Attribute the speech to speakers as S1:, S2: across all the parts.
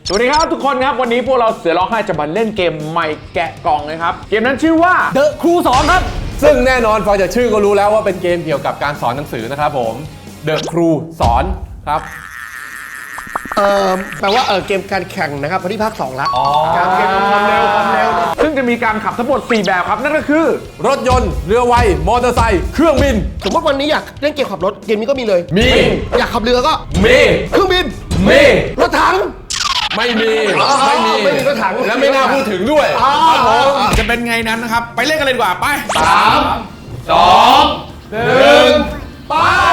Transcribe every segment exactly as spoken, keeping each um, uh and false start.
S1: สวัสดีครับทุกคนครับวันนี้พวกเราเสือร้องไห้จะมาเล่นเกมใหม่แกะกล่องนะครับเกมนั้นชื่อว่า
S2: The Crew สองครับ
S3: ซึ่งแน่นอนฟังจากชื่อก็รู้แล้วว่าเป็นเกมเกี่ยวกับการสอนหนังสือนะครับผม The Crew สอนครับ
S2: เอ่อแปลว่าเออเกมการแข่งนะครับพอดีภาคสองละ
S1: การเกมความเร็วความเร็วซึ่งจะมีการขับทั้งหมดสี่แบบครับนั่นก็คือ
S3: รถยนต์เรือไวมอเตอร์ไซค์เครื่องบิน
S2: สมมติวันนี้อยากเล่นเกมขับรถเกมนี้ก็มีเลย
S3: มี
S2: อยากขับเรือก็
S3: มี
S2: เครื่องบิน
S3: มี
S2: รถถัง
S3: ไม่มีไม่มี
S2: ไม่มีรถถัง
S3: และไม่น่าพูดถึงด้วยครับผม
S4: จะเป็นไงนั้นนะครับไปเล่นกันเลยดีกว่าไป
S3: สามสองหนึ่งไป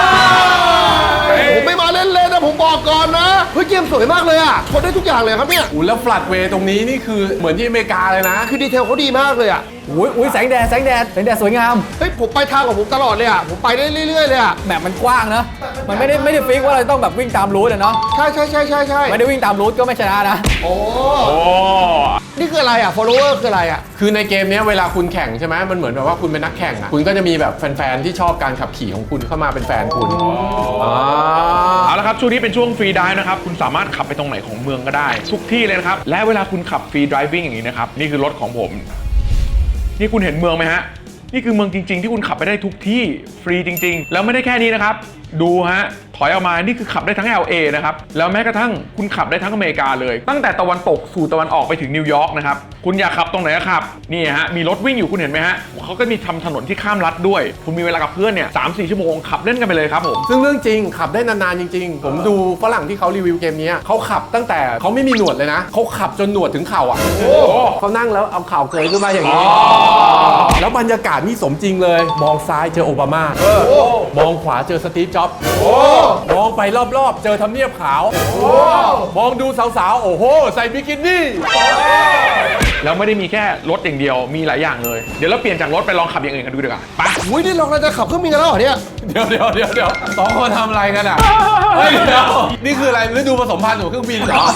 S2: ผมไม่มาเล่นเลยนะผมบอกก่อนนะเฮ้ยเกมสวยมากเลยอ่ะทนได้ทุกอย่างเลยครับเนี่ย
S3: อู้แล้วฟลัดเวย์ตรงนี้นี่คือเหมือนที่อเมริกาเลยนะ
S2: คือดีเทลเขาดีมากเลยอ่ะ
S5: อุ้ยอุ้ยแสงแดดแสงแดดแสงแดดสวยงาม
S2: เฮ้ยผมไปทางของผมตลอดเลยอ่ะผมไปได้เรื่อยๆเลยอ่ะ
S5: แบบมันกว้างนะมันไม่ได้ไม่ได้ฟิกว่าเราต้องแบบวิ่งตามรูทอะเนาะ
S2: ใช่ใช่ใช่ใช่ใช่
S5: ไม่ได้วิ่งตามรูทก็ไม่ชนะนะ
S2: โอ้
S1: โอ้
S2: นี่คืออะไรอ่ะ follower คืออะไรอ่ะ
S3: คือในเกมนี้เวลาคุณแข่งใช่ไหมมันเหมือนแบบว่าคุณเป็นนักแข่งอ่ะคุณก็จะมีแบบแฟนๆที่ชอบการขับขี่ของคุณเข้ามาเป็นแฟนคุณอ๋อ
S1: เอาละครับช่วงนี้เป็นช่วงฟรีไดฟ์นะครับคุณสามารถขับไปตรงไหนของเมืองก็ได้ทุกที่เลยนะครับและเวลาคุณขับฟรีไดวิ่งอย่างนี้นะครับนี่คือรถของผมนี่คุณเห็นเมืองไหมฮะนี่คือเมืองจริงๆที่คุณขับไปได้ทุกที่ฟรีจริงๆแล้วไม่ได้แค่นี้นะครับดูฮะถอยออกมานี่คือขับได้ทั้ง แอล เอ นะครับแล้วแม้กระทั่งคุณขับได้ทั้งอเมริกาเลยตั้งแต่ตะวันตกสู่ตะวันออกไปถึงนิวยอร์กนะครับคุณอยากขับตรงไหนก็ขับนี่ฮะมีรถวิ่งอยู่คุณเห็นไหมฮะเขาก็มีทำถนนที่ข้ามรัฐด้วยคุณมีเวลากับเพื่อนเนี่ยสามสี่ชั่วโมงขับเล่นกันไปเลยครับผม
S3: ซึ่งเรื่องจริงขับได้นานๆจริงๆผมดูฝรั่งที่เขารีวิวเกมนี้เขาขับตั้งแต่เขาไม่มีหนวดเลยนะเขาขับจนหนวดถึงเข่าอ่ะเขานั่งแล้วเอาเข่าเกยขึ้นมาอย่างนี้แล้วบรรยากาศนี่สมจริงเลยมองซ้ายเจอโอบามามองขวาเจอสตีฟจ็อบส์มองไปรอบๆเจอทำเนียบขาวมองดูสาวๆโอ้โหใส่บิกินี่
S1: แล้วไม่ได้มีแค่รถอย่างเดียวมีหลายอย่างเลยเดี๋ยวเราเปลี่ยนจากรถไปลองขับอย่างอื่นกันดูดีกว่าไป
S2: อุ้ยนี่เราจะขับเครื่องบินกันแล้วเหรอเนี่ย
S3: เดี๋ยวเดี๋ยวเดี๋ยวเดี๋ยวสองคนทำอะไรกันอ่ะเฮ้ยเดี๋ยวนี่คืออะไรฤดูผสมพันธุ์ของเครื่องบินเหรอ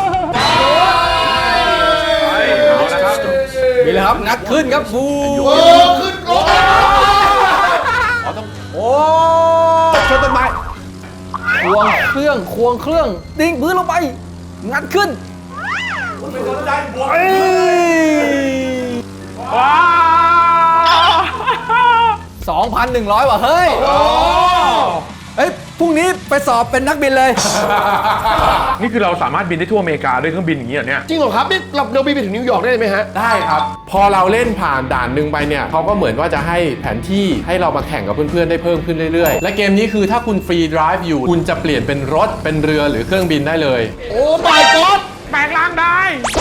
S1: เอาละครับ
S5: มีเลยครับงัดขึ้นครับฟู
S2: โอ้ขึ้นรถ
S3: โอ้ชนต้นไม้
S5: ควงเครื่องควงเครื่องดิ่งพื้นลงไปงัดขึ้น
S1: ว้าว
S5: สองพันหนึ่งร้อย ว่ะเฮ้ยเฮ้ยพรุ่งนี้ไปสอบเป็นนักบินเลย
S1: นี่คือเราสามารถบินได้ทั่วอเมริกาด้วยเครื่องบินอย่างนี้เหรอเนี่ย
S2: จริงเหรอครับนี่เราเราบินไปถึงนิวยอร์กได้ไหมฮะ
S3: ได้ครับ พอเราเล่นผ่านด่านหนึ่งไปเนี่ยเขาก็เหมือนว่าจะให้แผนที่ให้เรามาแข่งกับเพื่อนๆได้เพิ่มขึ้นเรื่อยๆ และเกมนี้คือถ้าคุณฟรีไดรฟ์อยู่คุณจะเปลี่ยนเป็นรถเป็นเรือหรือเครื่องบินได้เลย
S2: โอ้ my god
S1: แปลงร่างได้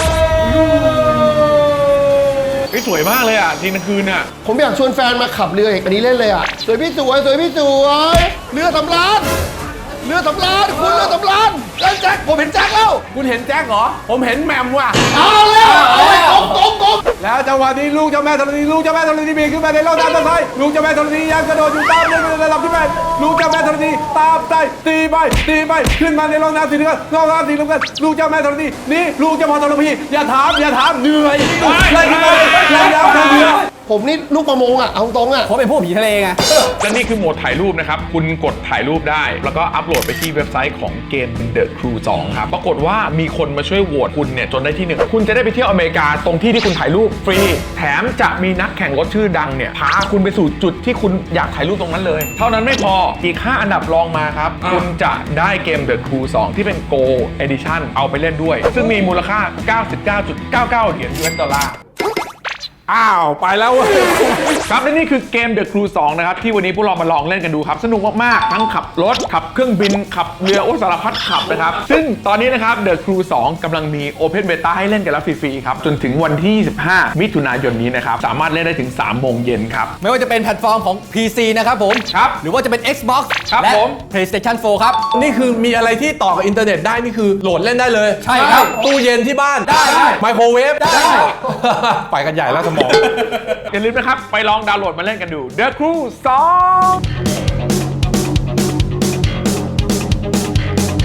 S1: เฮ้ยสวยมากเลยอ่ะทีกลางคืนอ่ะ
S2: ผมอยากชวนแฟนมาขับเรืออีกอันนี้เล่นเลยอ่ะสวยพี่สวยสวยพี่สวยเรือสำราญเรือสำราญคุณเรือสำราญเล่นแจ็คผมเห็นแจ็คแล้ว
S3: คุณเห็นแจ็คเหรอผมเห็นแหมมว่ะ
S2: เอาแล้วเอาเลยกงกงกง
S3: แล้วจังหวะนี้ลูกเจ้าแม่ธรณีลูกเจ้าแม่ธรณีบินขึ้นมาในร่องน้ำตะไคร้ลูกเจ้าแม่ธรณียังกระโดดอยู่ตามในระดับที่แปดลูกเจ้าแม่ธรณีตามใจตีไปตีไปขึ้นมาในร่องน้ำสีเหลืองร่องน้ำสีเหลืองลูกเจ้าแม่ธรณีนี่ลูกเจ้าพ่อธรณีอย่าถามอย่าถามเหนื่อยไล่ขึ้นมาเลยไล่แล้วทางเรือ
S2: ผมนี่ลูกประมงอ่ะเอาตรงอ่ะ
S5: ผมเป็นพวกผีทะเลไง
S1: และนี่คือโหมดถ่ายรูปนะครับคุณกดถ่ายรูปได้แล้วก็อัปโหลดไปที่เว็บไซต์ของเกม The Crew สอง ครับปรากฏว่ามีคนมาช่วยโหวตคุณเนี่ยจนได้ที่หนึ่งคุณจะได้ไปเที่ยวอเมริกาตรงที่ที่คุณถ่ายรูปฟรีแถมจะมีนักแข่งรถชื่อดังเนี่ยพาคุณไปสู่จุดที่คุณอยากถ่ายรูปตรงนั้นเลย เท่านั้นไม่พออีกห้าอันดับรองมาครับคุณจะได้เกม The Crew สอง ที่เป็น Go Edition เอาไปเล่นด้วยซึ่งมีมูลค่า เก้าสิบเก้าจุดเก้าเก้า เหรียญ ยู เอส ดอลลาร์
S3: อ้าวไปแล้วเว้ย
S1: ครับและนี่คือเกม The Crew สอง นะครับที่วันนี้พวกเรามาลองเล่นกันดูครับสนุกมากๆทั้งขับรถขับเครื่องบินขับเรือโอ้สารพัดขับนะครับซึ่งตอนนี้นะครับ The Crew สอง กำลังมี Open Beta ให้เล่นกันแล้วฟรีๆครับจนถึงวันที่ยี่สิบห้ามิถุนายนนี้นะครับสามารถเล่นได้ถึงสามโมงเย็นครับ
S5: ไม่ว่าจะเป็นแพลตฟอร์มของ พี ซี นะครับผม
S1: ครับ
S5: หรือว่าจะเป็น Xbox
S1: ครับ
S5: และ
S1: ผม
S5: PlayStation โฟร์ ครับ
S3: นี่คือมีอะไรที่ต่อกับอินเทอร์เน็ตได้นี่คือโหลดเล่นได้เลย
S5: ใช่ครับ
S3: ตู้เย็นที่บ้าน
S5: ได้ได้
S3: ไมโครเวฟ
S5: ได้
S3: ไปกันใหญ่แล้วสมอง
S1: อย่าลืมนะครับไปลองดาวน์โหลดมาเล่นกันดู The Crew สอง